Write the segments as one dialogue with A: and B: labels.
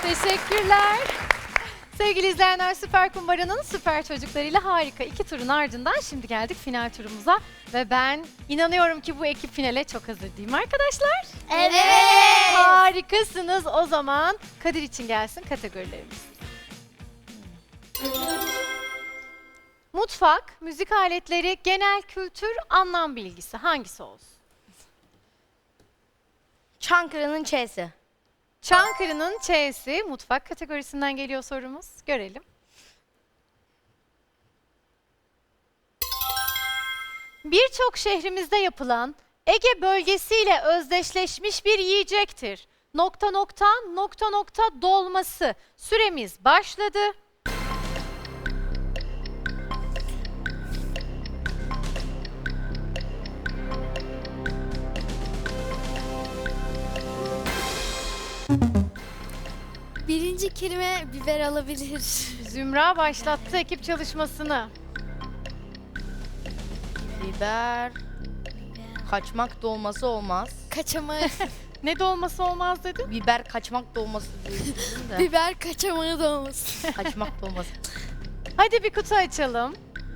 A: Teşekkürler. Sevgili izleyenler, Süper Kumbara'nın süper çocuklarıyla harika 2 turun ardından şimdi geldik final turumuza. Ve ben inanıyorum ki bu ekip finale çok hazır değil mi arkadaşlar?
B: Evet.
A: Harikasınız. O zaman Kadir için gelsin kategorilerimiz. Mutfak, müzik aletleri, genel kültür, anlam bilgisi hangisi olsun?
B: Çankırı'nın Ç'si.
A: Çankırı'nın Ç'si mutfak kategorisinden geliyor sorumuz. Görelim. Birçok şehrimizde yapılan Ege bölgesiyle özdeşleşmiş bir yiyecektir. Nokta nokta nokta nokta dolması. Süremiz başladı.
C: Birinci kelime biber alabilir.
A: Zümra başlattı ekip çalışmasını.
B: Biber. Kaçmak dolması olmaz.
C: Kaçamağı,
A: Ne dolması olmaz dedin?
B: Biber kaçmak dolması dedim de.
C: biber kaçamağı da olmasın.
B: Kaçmak dolması.
A: Hadi bir kutu açalım.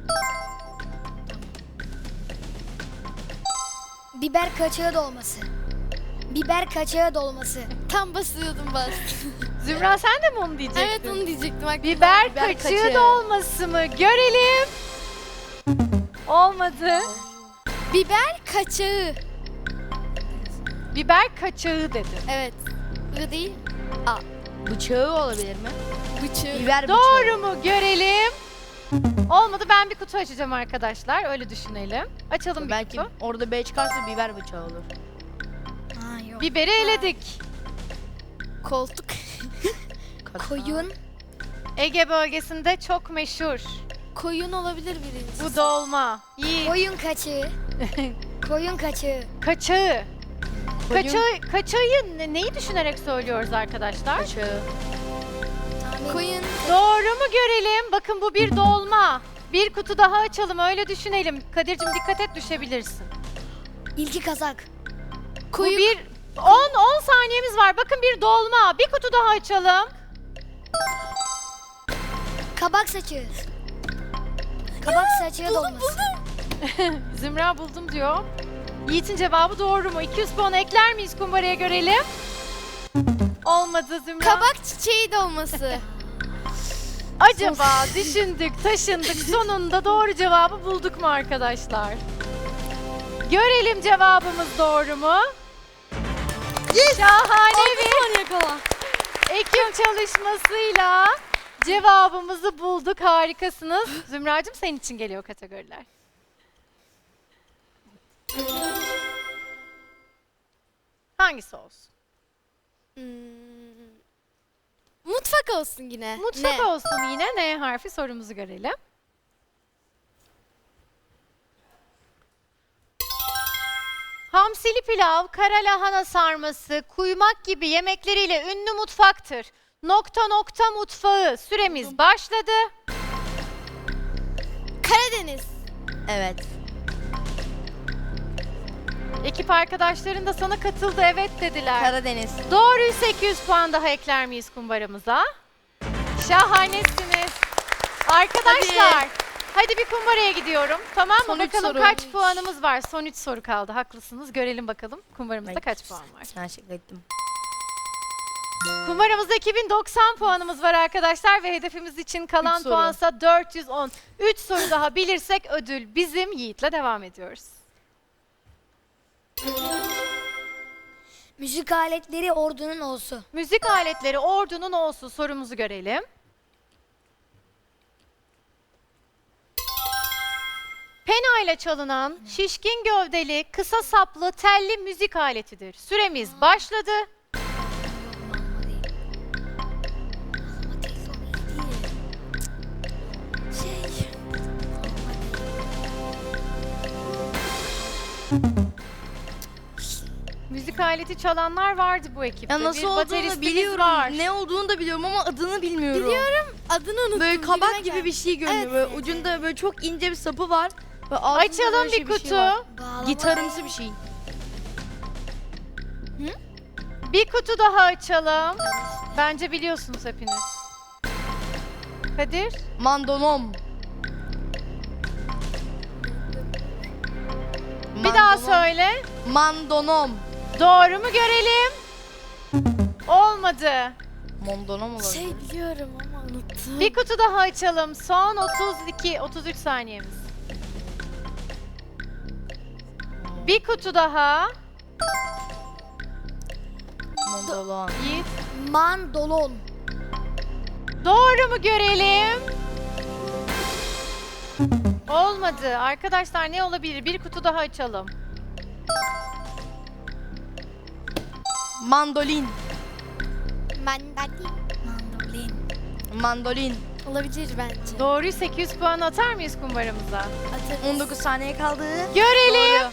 D: Biber kaçağı dolması. Biber kaçağı dolması.
C: Tam basıyordum bas.
A: Zümra sen de mi onu diyecektin?
C: Evet onu diyecektim. Bak,
A: Biber kaçığı
B: kaçığı.
A: dolması mı? Görelim. Olmadı.
C: Biber kaçağı.
A: Biber kaçağı dedim.
C: Evet. Bu değil.
B: Bıçağı olabilir mi?
C: Bıçağı.
B: Biber bıçağı.
A: Doğru mu? Görelim. Olmadı, ben bir kutu açacağım arkadaşlar. Öyle düşünelim. Açalım bir
B: Belki
A: kutu.
B: orada B çıkarsa biber bıçağı olur.
D: Ha yok.
A: Biberi eledik.
C: Koltuk.
D: Koyun.
A: Ege bölgesinde çok meşhur.
C: Koyun olabilir birinci.
A: Bu dolma. İyi.
D: Koyun kaçağı. Koyun kaçağı.
A: Kaçağı.
B: Koyun
A: Kaçağı neyi düşünerek söylüyoruz arkadaşlar?
B: bıçağı.
C: Koyun.
A: Doğru mu görelim? Bakın bu bir dolma. Bir kutu daha açalım, öyle düşünelim. Kadir'cim dikkat et, düşebilirsin.
D: İlki kazak.
C: Koyun.
A: Bu bir 10 saniyemiz var. Bakın bir dolma. Bir kutu daha açalım.
D: Kabak saçı. Kabak saçı dolması.
A: Zümra buldum diyor. Yiğit'in cevabı doğru mu? 200 puan ekler miyiz kumbaraya, görelim. Olmadı Zümra.
C: Kabak çiçeği dolması.
A: Acaba düşündük, taşındık. Sonunda doğru cevabı bulduk mu arkadaşlar? Görelim cevabımız doğru mu? Şahane bir
C: yakala.
A: ekip çalışmasıyla cevabımızı bulduk. Harikasınız. Zümracığım, senin için geliyor kategoriler. Hangisi olsun?
C: Mutfak olsun yine.
A: Mutfak
C: Ne?
A: olsun yine. N harfi, sorumuzu görelim. Hamsili pilav, kara lahana sarması, kuymak gibi yemekleriyle ünlü mutfaktır. Nokta nokta mutfağı. Süremiz başladı.
C: Karadeniz.
B: Evet.
A: Ekip arkadaşların da sana katıldı, evet dediler.
B: Karadeniz.
A: Doğruysa 200 puan daha ekler miyiz kumbaramıza? Şahanesiniz. Arkadaşlar, hadi bir kumbaraya gidiyorum. Tamam mı?
B: Son üç
A: Bakalım
B: soru.
A: kaç puanımız var? Son 3 soru kaldı. Haklısınız. Görelim bakalım kumbaramızda
B: Peki.
A: kaç puan var.
B: Ben şaka ettim.
A: Kumbaramızda 2090 puanımız var arkadaşlar ve hedefimiz için kalan
B: Üç soru.
A: puansa 410. 3 soru daha bilirsek ödül bizim. Yiğit'le devam ediyoruz.
D: Müzik aletleri ordunun olsu.
A: Müzik aletleri ordunun olsun, sorumuzu görelim. Pena ile çalınan şişkin gövdeli, kısa saplı, telli müzik aletidir. Süremiz başladı. Müzik aleti çalanlar vardı bu ekipte.
B: Ya nasıl
A: Bir
B: olduğunu
A: bateristimiz
B: biliyorum.
A: var.
B: Ne olduğunu da biliyorum ama adını bilmiyorum.
C: Biliyorum. Adını unuttum.
B: Böyle
C: dilime
B: kabak gibi
C: geldi.
B: bir şey görünüyor.
C: Evet.
B: Böyle ucunda böyle çok ince bir sapı var. Ve altında
A: Açalım
B: böyle
A: bir kutu.
B: şey var.
D: Bağlama.
B: Gitarımsı bir şey.
A: Bir kutu daha açalım. Bence biliyorsunuz hepiniz. Kadir?
B: Mandonom.
A: Bir daha söyle.
B: Mandonom.
A: Doğru mu görelim? Olmadı.
B: Mandonom olabilir.
C: Şey biliyorum ama unuttum.
A: Bir kutu daha açalım. Son 33 saniyemiz. Bir kutu daha.
B: Mandolon.
A: Yiğit.
D: Mandolon.
A: Doğru mu görelim? Olmadı. Arkadaşlar ne olabilir? Bir kutu daha açalım.
B: Mandolin.
C: Mandolin.
D: Mandolin.
B: Mandolin.
C: Olabilir bence.
A: Doğruyu 800 puan atar mıyız kumbaramıza?
C: Atarız.
B: 19 saniye kaldı.
A: Görelim.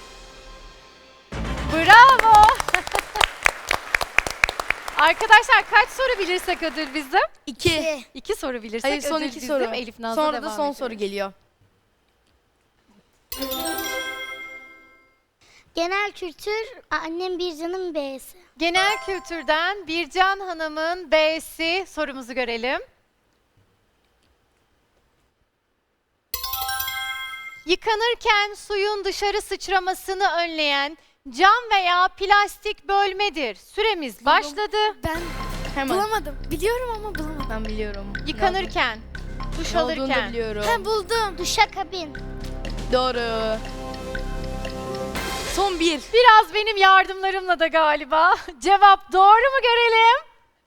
A: Bravo. Arkadaşlar kaç soru bilirsek ödül bizim?
B: 2.
A: 2 soru bilirsek
B: Hayır son
A: ödül
B: 2
A: bizim.
B: soru.
A: Elif Naz'la
B: Sonra da
A: devam
B: son
A: ediyoruz.
B: soru geliyor.
D: Genel kültür annem bir canım B'si.
A: Genel kültürden Bircan Hanım'ın B'si sorumuzu görelim. Yıkanırken suyun dışarı sıçramasını önleyen cam veya plastik bölmedir. Süremiz başladı.
C: Ben
B: Hemen.
C: bulamadım. Biliyorum ama bulamadım.
B: Ben biliyorum.
A: Yıkanırken, duş
B: Ne olduğunu da
A: alırken.
B: biliyorum.
C: Ha buldum.
D: Duşakabin.
B: Doğru. Son 1.
A: Biraz benim yardımlarımla da galiba. Cevap doğru mu görelim?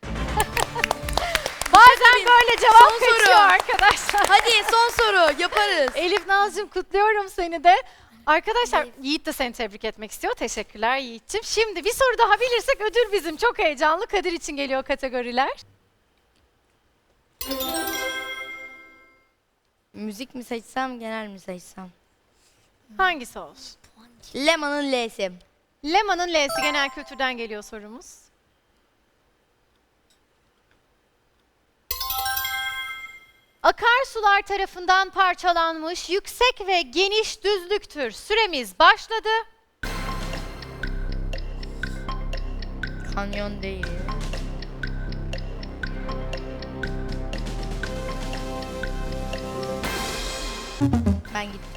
A: Bazen böyle cevap
B: Son soru.
A: kaçıyor arkadaşlar.
B: Hadi son soru yaparız.
A: Elif Nazcığım kutluyorum seni de. Arkadaşlar Yiğit de seni tebrik etmek istiyor. Teşekkürler Yiğit'ciğim. Şimdi bir soru daha bilirsek ödül bizim. Çok heyecanlı. Kadir için geliyor kategoriler.
B: Müzik mi seçsem, genel mi seçsem?
A: Hangisi olsun?
B: Leman'ın L'si.
A: Leman'ın L'si genel kültürden geliyor sorumuz. Akarsular tarafından parçalanmış yüksek ve geniş düzlüktür. Süremiz başladı.
B: Kanyon değil. Ben gittim.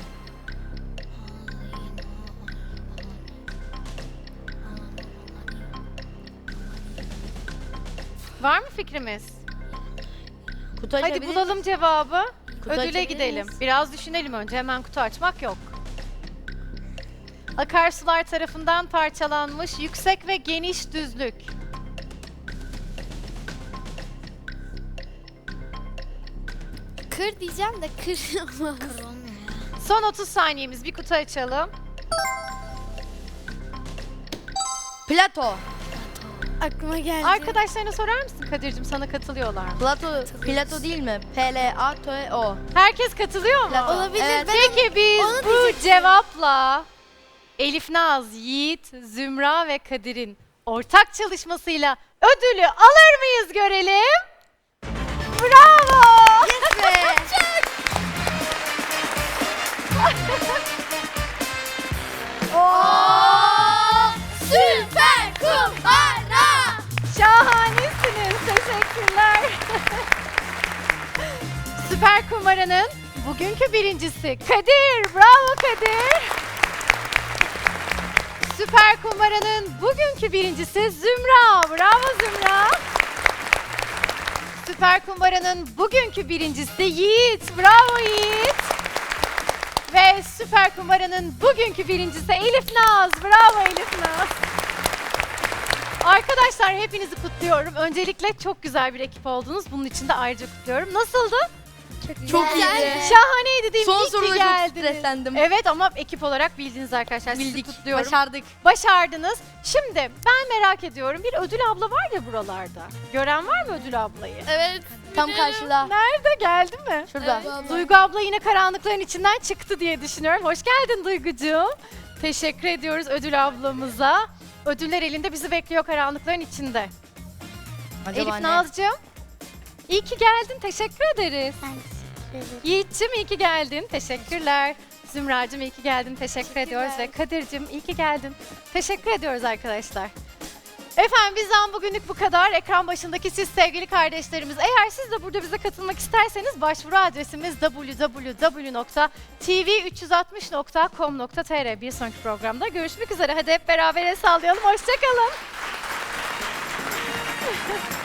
A: Var mı fikrimiz?
B: Kutu
A: Hadi
B: açabilir
A: bulalım cevabı.
B: Kutu
A: Ödüle
B: açabilir
A: gidelim.
B: miyiz?
A: Biraz düşünelim önce. Hemen kutu açmak yok. Akarsular tarafından parçalanmış yüksek ve geniş düzlük.
C: Kır diyeceğim de kır olmaz.
A: Son 30 saniyemiz. Bir kutu açalım.
B: Plato.
C: Aklıma geldi.
A: Arkadaşlarına sorar mısın Kadir'cim? Sana katılıyorlar mı?
B: Plato değil mi? P-L-A-T-O.
A: Herkes katılıyor mu?
B: Plato.
C: Olabilir.
B: Evet.
C: Ben
A: Peki biz
C: onu
A: bu
C: diyecektim.
A: cevapla Elif Naz, Yiğit, Zümra ve Kadir'in ortak çalışmasıyla ödülü alır mıyız görelim? Bravo!
B: Yes be.
C: Süper kumbara.
A: Şahanesiniz. Teşekkürler. Süper Kumara'nın bugünkü birincisi Kadir. Bravo Kadir. Süper Kumara'nın bugünkü birincisi Zümra. Bravo Zümra. Süper Kumbara'nın bugünkü birincisi Yiğit. Bravo Yiğit. Ve Süper Kumbara'nın bugünkü birincisi Elif Naz. Bravo Elif Naz. Arkadaşlar hepinizi kutluyorum. Öncelikle çok güzel bir ekip oldunuz. Bunun için de ayrıca kutluyorum. Nasıldı?
B: Çok
C: Güzel.
B: iyiydi.
A: Şahaneydi değil mi?
B: Son
A: İyi ki
B: soruda çok
A: geldiniz.
B: streslendim.
A: Evet ama ekip olarak bildiniz arkadaşlar. Sizi
B: Bildik.
A: kutluyorum.
B: Başardık.
A: Başardınız. Şimdi ben merak ediyorum. Bir ödül abla var ya buralarda. Gören var mı ödül ablayı?
C: Evet.
B: Tam karşıda.
A: Nerede? Geldi mi?
B: Şurada.
A: Duygu abla yine karanlıkların içinden çıktı diye düşünüyorum. Hoş geldin Duygucuğum. Teşekkür ediyoruz ödül ablamıza. Ödüller elinde bizi bekliyor karanlıkların içinde.
B: Acaba
A: Elif
B: ne?
A: Nazcığım, iyi ki geldin. Teşekkür ederiz.
D: Ben teşekkür ederim.
A: Yiğit'cim iyi ki geldin. Teşekkürler. Zümracığım iyi ki geldin. Teşekkür ediyoruz. Ve Kadir'cim iyi ki geldin. Teşekkür ediyoruz arkadaşlar. Efendim bizden bugünlük bu kadar. Ekran başındaki siz sevgili kardeşlerimiz. Eğer siz de burada bize katılmak isterseniz başvuru adresimiz www.tv360.com.tr. Bir sonraki programda görüşmek üzere. Hadi hep beraber el sallayalım. Hoşçakalın.